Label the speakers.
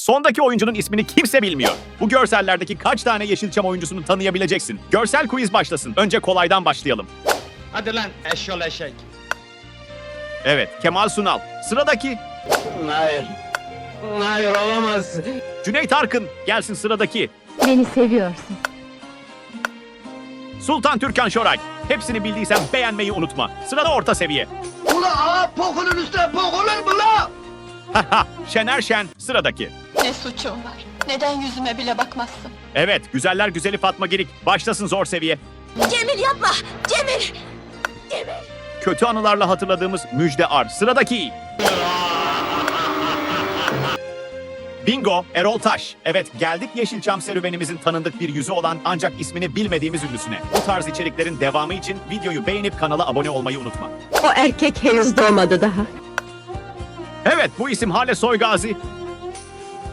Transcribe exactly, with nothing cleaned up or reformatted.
Speaker 1: Sondaki oyuncunun ismini kimse bilmiyor. Bu görsellerdeki kaç tane Yeşilçam oyuncusunu tanıyabileceksin? Görsel quiz başlasın. Önce kolaydan başlayalım.
Speaker 2: Hadi lan eşyol eşek.
Speaker 1: Evet, Kemal Sunal. Sıradaki
Speaker 2: Hayır. Hayır olamaz.
Speaker 1: Cüneyt Arkın. Gelsin sıradaki.
Speaker 3: Beni seviyorsun.
Speaker 1: Sultan Türkan Şoray. Hepsini bildiysen beğenmeyi unutma. Sırada orta seviye.
Speaker 2: Ula ağa pokunun üstüne pok olur mu la?
Speaker 1: Haha, Şener Şen. Sıradaki.
Speaker 4: Ne suçum var? Neden yüzüme bile bakmazsın?
Speaker 1: Evet, güzeller güzeli Fatma Girik. Başlasın zor seviye.
Speaker 4: Cemil yapma! Cemil!
Speaker 1: Kötü anılarla hatırladığımız Müjde Ar. Sıradaki. Bingo, Erol Taş. Evet, geldik Yeşilçam serüvenimizin tanındık bir yüzü olan ancak ismini bilmediğimiz ünlüsüne. Bu tarz içeriklerin devamı için videoyu beğenip kanala abone olmayı unutma.
Speaker 3: O erkek henüz doğmadı daha.
Speaker 1: Evet, bu isim Hale Soygazi.